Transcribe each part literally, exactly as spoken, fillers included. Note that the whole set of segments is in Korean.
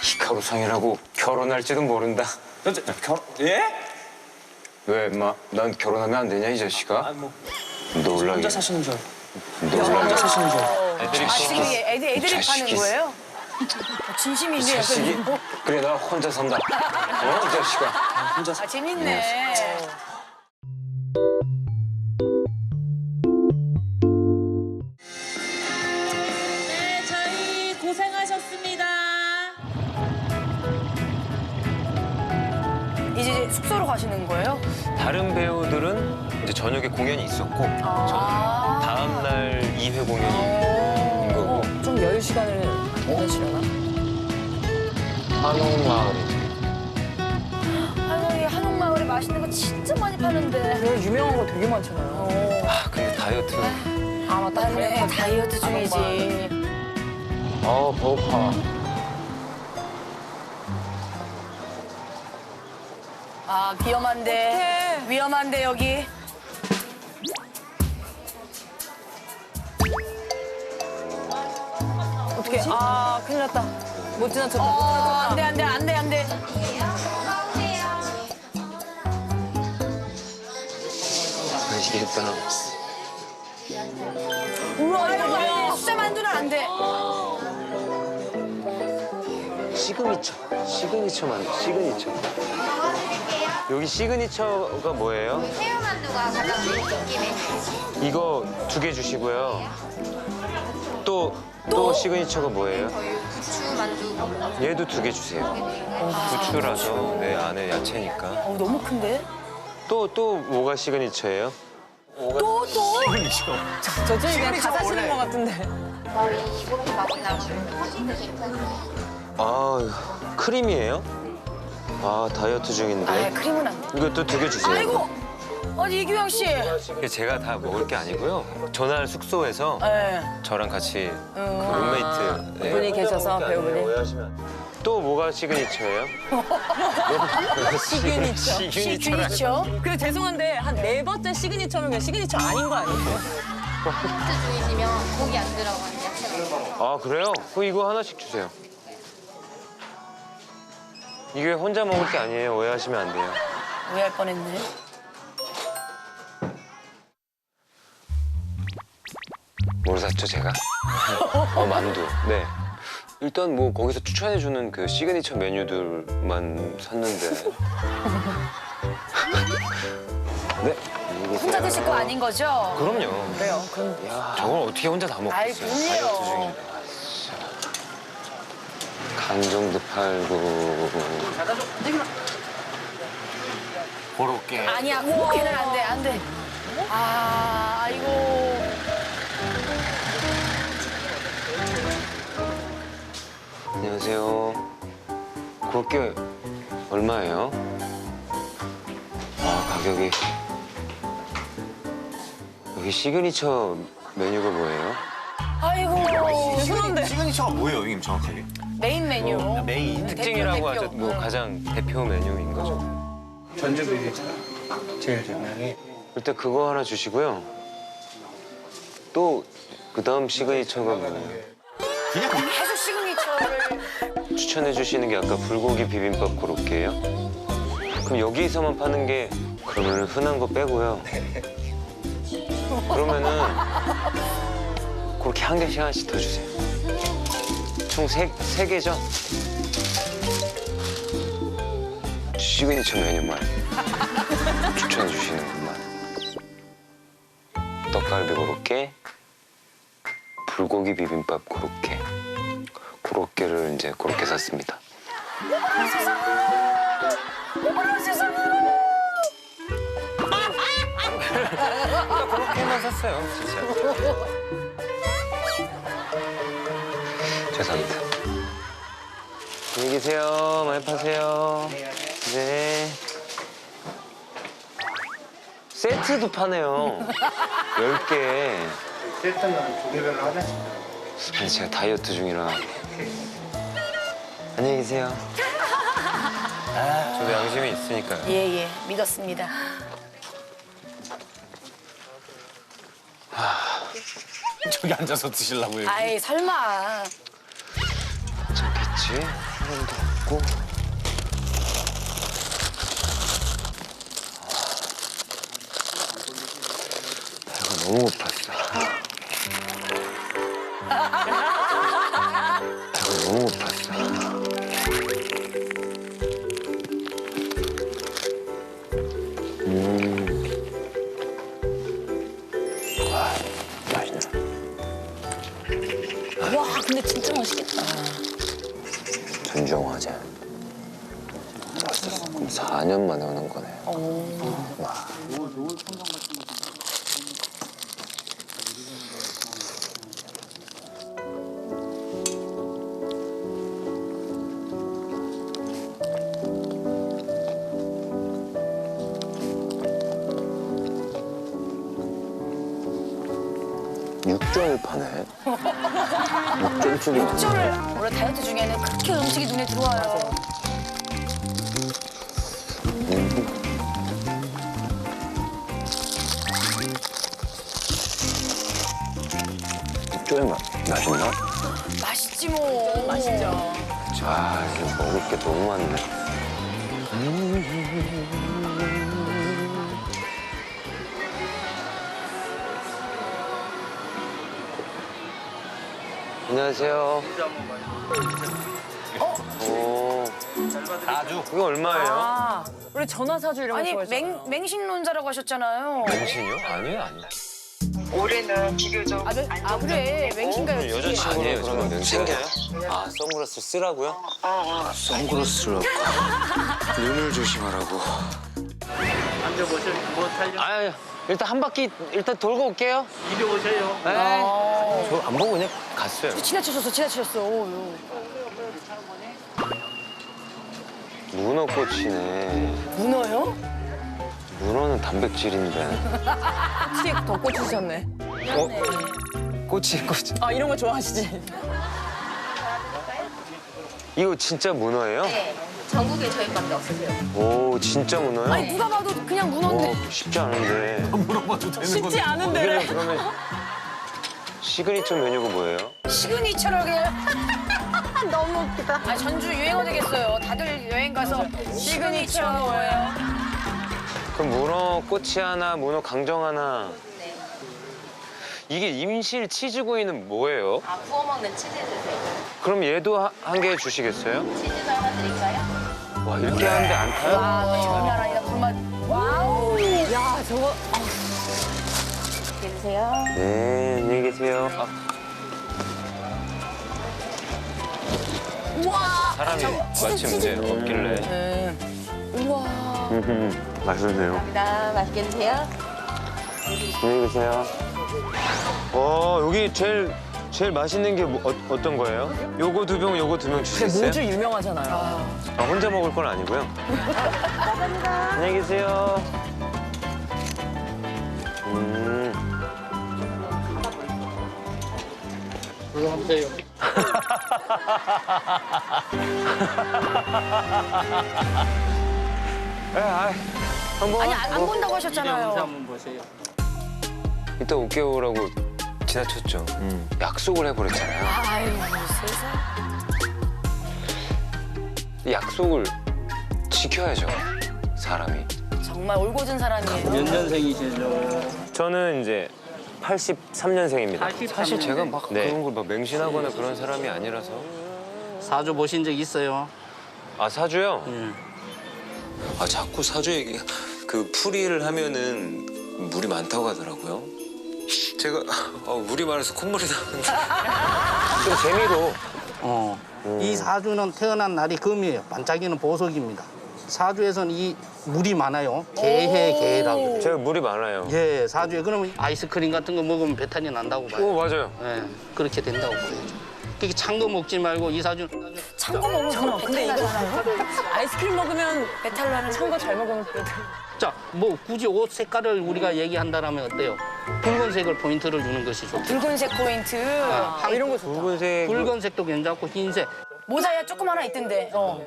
히카루상이라고 결혼할지도 모른다. 저, 저, 결 예? 왜, 인마? 난 결혼하면 안 되냐, 이 자식아? 아, 뭐 놀라게. 혼자 사시는 줄. 놀라게. 혼자 사시는 줄. 애들이 아, 지금 애들, 애들이 자식이. 파는 거예요? 진심이네요. 자식이? 그래, 나 혼자 산다. 어, 이 자식아. 혼자 아, 재밌네. 네, 저희 고생하셨습니다. 이제 숙소로 가시는 거예요? 다른 배우들은 이제 저녁에 공연이 있었고, 아. 다음 날 이 회 공연인 거고. 좀 여유 시간을 보내시려나? 한옥마을이. 할머니 한옥마을에 맛있는 거 진짜 많이 파는데. 그래, 유명한 거 되게 많잖아요. 아, 근데 다이어트. 아, 맞다. 맞네, 다이어트 중이지. 아, 배고파. 아, 위험한데. 위험한데, 여기. 어떻게? 아, 큰일 났다. 못 지나쳤다. 어, 못 지나쳤다. 안 돼, 안 돼, 안 돼, 안 돼. 맛있겠다. 우와, 이거 숫자 만두는 안 돼. 시그니처. 시그니처만, 시그니처. 여기 시그니처가 뭐예요? 새우만두가 가장 인기 메뉴. 이거 두 개 주시고요. 또, 또 시그니처가 뭐예요? 저희 부추만두. 얘도 두 개 주세요. 부추라서 내 안에 야채니까. 어, 너무 큰데? 또, 또 뭐가 시그니처예요? 또, 또? 저쪽이 그냥 다 사시는 것 같은데. 저희 이렇게 맛이 나거든요. 아, 크림이에요? 아, 다이어트 아, 중인데. 크림은 안 돼. 이것도 두 개 주세요. 아이고! 아니, 이규영 씨. 이게 제가 다 먹을 게 아니고요. 전날 숙소에서 네. 저랑 같이 그 룸메이트 네. 분이 계셔서 배우분이. 오해하시면 안 돼요. 또 뭐가 시그니처예요? 시그니처. 시그니처라. 시그니처? 근데 죄송한데 한 네 번째 시그니처면 그냥 시그니처 아닌 거 아니에요? 다이어트 중이시면 고기 안 들어가는 야채가. 아, 그래요? 그럼 이거 하나씩 주세요. 이게 혼자 먹을 게 아니에요. 오해하시면 안 돼요. 오해할 뻔했네. 뭘 샀죠, 제가? 어, 만두. 네. 일단 뭐 거기서 추천해주는 그 시그니처 메뉴들만 샀는데. 네. 안녕히 혼자 계세요. 드실 거 아닌 거죠? 그럼요. 그래요. 그럼 야, 저걸 어떻게 혼자 다 아이, 먹겠어요? 그럼요. 다이어트 중인데. 강정도 팔고. 고로케. 아니야, 그렇게는 안 돼, 안 돼. 아, 아이고. 안녕하세요. 그렇게 얼마예요? 아, 가격이. 여기 시그니처 메뉴가 뭐예요? 아이고. 죄송한데. 시그니처가 뭐예요, 형님 정확하게? 메인 메뉴. 메인. 특징이라고 대표, 하죠. 대표. 뭐 응. 가장 대표 메뉴인 거죠. 전주 비빔밥 제일 유명해. 일단 그거 하나 주시고요. 또 그 다음 시그니처가 뭐예요? 계속 시그니처를. 추천해 주시는 게 아까 불고기 비빔밥 고로케예요? 그럼 여기서만 파는 게 그러면 흔한 거 빼고요. 그러면은 그렇게 한 개씩 하나씩 더 주세요. 총 세, 세 개죠? 시그니처 메뉴만 추천해 주시는 것만. 떡갈비 고로케, 불고기 비빔밥 고로케. 고로케를 이제 그렇게 샀습니다. 그렇게만 샀어요, 진짜. 죄송합니다. 안녕히 계세요. 많이 파세요. 네. 세트도 파네요. 열 개. 세트는 두 개별로 하나씩. 아니, 제가 다이어트 중이라. 안녕히 계세요. 저도 양심이 있으니까요. 예, 예. 믿었습니다. 저기 앉아서 드시려고요. 아이, 설마. 괜찮겠지. 있지? 사람도 없고. 배가 너무 고팠어. 배가 너무 고팠어. 음. 와, 맛있네. 와, 근데 진짜 맛있겠다. 전종화제. 왔었어. 그럼 사 년 만에 오는 거네. 와. 육전을 파네. 육전집이 많네. 육전을 원래 다이어트 중에는 그렇게 음식이 눈에 들어와요. 육전이 맛, 맛있나? 맛있지 뭐. 맛있죠. 아, 지금 먹을 게 너무 많네. 안녕하세요. 어? 오. 아주. 이거 얼마예요? 아, 우리 전화사주 이런 거 아니 좋아해서. 맹 맹신론자라고 하셨잖아요. 맹신이요? 아니에요, 아니에요. 올해는 비교적 아, 맹- 아 그래 맹신가요? 여자친구는 아니에요, 저는 맹신이에요. 아, 선글라스 쓰라고요? 어, 어. 선글라스라고. 눈을 조심하라고. 앉아보세요. 뭐 탈려? 아, 일단 한 바퀴 일단 돌고 올게요. 이리 오세요. 네. 아, 저 안 보고 그냥 갔어요. 지나치셨어, 지나치셨어. 어, 문어꽃이네. 문어요? 문어는 단백질인데. 혹시 더 꽂히셨네. 어? 꽃이 꽃이. 아, 이런 거 좋아하시지? 이거 진짜 문어예요? 네. 전국에 저희밖에 없으세요. 오, 진짜 문어요? 아니 누가 봐도 그냥 문어인데. 와, 쉽지 않은데. 물어봐도 되는 쉽지 건데. 않은데. 이게 그러면 시그니처 메뉴가 뭐예요? 시그니처를 그냥. 너무 웃기다. 아 전주 유행어 되겠어요. 다들 여행 가서 시그니처 뭐예요? 그럼 문어 꼬치 하나, 문어 강정 하나. 네. 이게 임실 치즈구이는 뭐예요? 아, 구워 먹는 치즈 드세요. 그럼 얘도 한 개 주시겠어요? 치즈도 하나 드릴까요? 와, 이렇게 하는데 안 타요? 와, 너 장난 아니다. 불맛. 와우. 야, 저거. 이렇게 드세요. 네, 안녕히 계세요. 아, 우와. 사람이 마침 이제 없길래. 우와. 음, 맛있네요. 감사합니다. 맛있게 드세요. 안녕히 계세요. 어, 여기 제일 제일 맛있는 게 뭐, 어, 어떤 거예요? 요거 두 병, 요거 두 병 근데 주시겠어요? 모주 유명하잖아요. 아, 혼자 먹을 건 아니고요. 감사합니다. 안녕히 계세요. 음. 들어가세요. 에, 아, 한번 아니 안, 안 본다고 영상 하셨잖아요. 한번 보세요. 이따 올게요라고 지나쳤죠. 약속을 해버렸잖아요. 아유 세상. 약속을 지켜야죠, 사람이. 정말 올곧은 사람이에요. 몇 년생이시죠? 저는 이제 팔십삼 년생입니다. 사실 제가 막 네. 그런 걸 막 맹신하거나 그런 사람이 아니라서. 사주 보신 적 있어요? 아, 사주요? 예. 아, 자꾸 사주 얘기, 그 풀이를 하면은 물이 많다고 하더라고요. 제가 어, 물이 많아서 콧물이 나는데. 좀 재미로. 어. 이 사주는 태어난 날이 금이에요. 반짝이는 보석입니다. 사주에서는 이 물이 많아요. 개해 개라고. 제가 물이 많아요. 예, 사주에 그러면 아이스크림 같은 거 먹으면 배탈이 난다고 봐요. 오, 맞아요. 예, 그렇게 된다고 보여요. 그렇게 찬 거 먹지 말고 이 사주 찬 거 먹으면 잠깐만, 근데 이거 아이스크림 먹으면 배탈 나는 찬 거 잘 먹으면 또. 자, 뭐 굳이 옷 색깔을 우리가 얘기한다라면 어때요? 붉은색을 포인트를 주는 것이 좋고. 붉은색 포인트. 아, 이런 거 좋다. 붉은색. 붉은색도 괜찮고 흰색. 모자야 조금 하나 있던데. 어.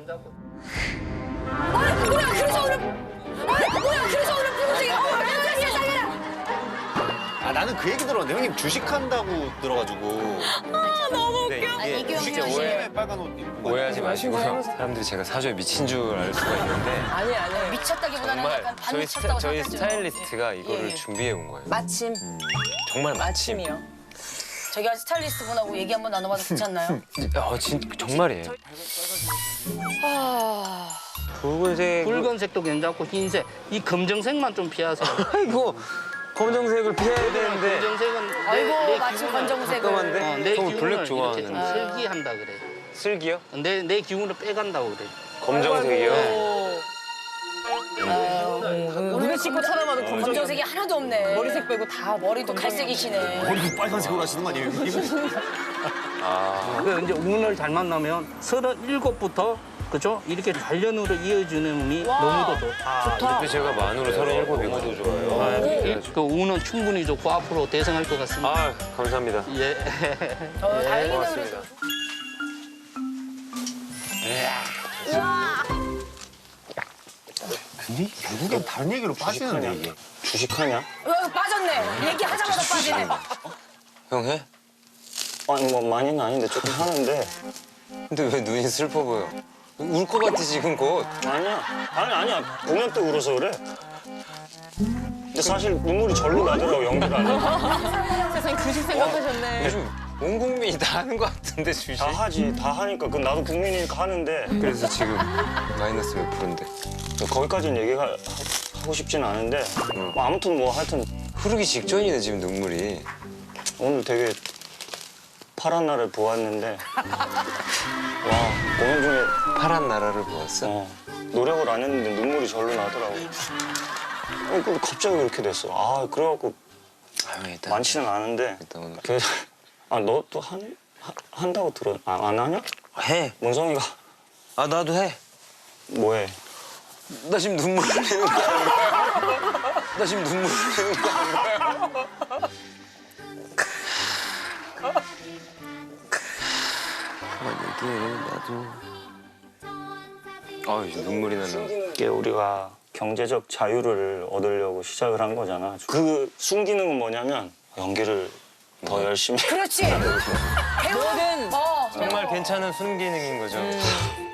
어, 뭐야 그래서 오늘. 어, 뭐야 그래서 오늘 붉은색이. 어, 깜짝이야, 깜짝이야. 아 나는 그 얘기 들었는데 형님 주식한다고 들어가지고. 아, 너무 웃겨. 아, 이규영 진짜 씨. 오해 빨간 옷 입은 거. 오해하지 마시고요. 사람들이 제가 사주에 미친 줄 알 수가 있는데 아니 아니. 미쳤다기보다는 정말 약간 저희, 스타, 반미쳤다고 저희 생각하죠. 스타일리스트가 이거를 예, 예. 준비해 온 거예요. 마침 정말 마침. 마침이요. 저희가 스타일리스트 분하고 얘기 한번 나눠봐도 괜찮나요? 어, 진 정말이에요. 붉은색. 붉은색도 괜찮고 흰색, 이 검정색만 좀 피하세요. 아이고 검정색을 피해야 되는데. 검정색은 내, 아이고 내 마침 기운을- 검정색을. 잠깐만데. 어, 내 저 기운을 블랙 이렇게 좀 좋아하는데. 슬기한다 그래. 슬기요? 내, 내 기운을 빼간다고 그래. 검정색이요? 우리 친구 찾아봐도 검정. 검정색이 하나도 없네. 머리색 빼고 다 머리도 갈색이시네. 머리도 빨간색으로 하시는 거 아니에요 형님? 아. 그 이제 운을 잘 만나면 서른일곱부터 그죠? 이렇게 단련으로 이어지는 운이 너무도 좋다. 근데 제가 만으로 서른일곱이거든요. 좋아요. 아, 그, 그 운은 충분히 좋고 앞으로 대성할 것 같습니다. 아 감사합니다. 예. 어, 다행이네 고맙습니다. 그래도. 근데 결국엔 다른 얘기로 빠지는데 이게. 주식하냐? 어, 빠졌네. 얘기하자마자 빠지네. 형 해? 아니 뭐 많이는 아닌데 조금 하는데. 근데 왜 눈이 슬퍼 보여? 울 것 같아 지금 곧. 아니야. 아니 아니야. 보면 또 울어서 그래. 근데 사실 눈물이 절로 나더라고 연기를 안 해. 세상에 주식 생각하셨네. 요즘 온 국민이 다 하는 것 같은데 주식. 다 하지. 다 하니까. 그 나도 국민이니까 하는데 그래서 지금 마이너스 몇 프로인데? 거기까지는 얘기가 하- 하고 싶지는 않은데 뭐 아무튼 뭐 하여튼 흐르기 직전이네 지금 눈물이. 오늘 되게 파란 날을 보았는데 와 오늘 중에 파란 나라를 보았어? 어, 노력을 안 했는데 눈물이 절로 나더라고. 어, 그 갑자기 그렇게 됐어. 아 그래갖고 아유 일단 많지는 않은데 일단 오늘 그, 아너 또 한, 하- 한다고 들어. 아, 안 하냐? 해. 문성이가 아 나도 해. 뭐해? 나 지금 눈물 흘리는 거 아니야? 나 지금 눈물 흘리는 거 아니야? 그만 얘기해 나도. 아 이제 눈물이 나는. 이게 우리가 경제적 자유를 얻으려고 시작을 한 거잖아. 그 순기능은 뭐냐면 연기를 더 열심히. 그렇지. 배우는 어. 정말 괜찮은 순기능인 거죠.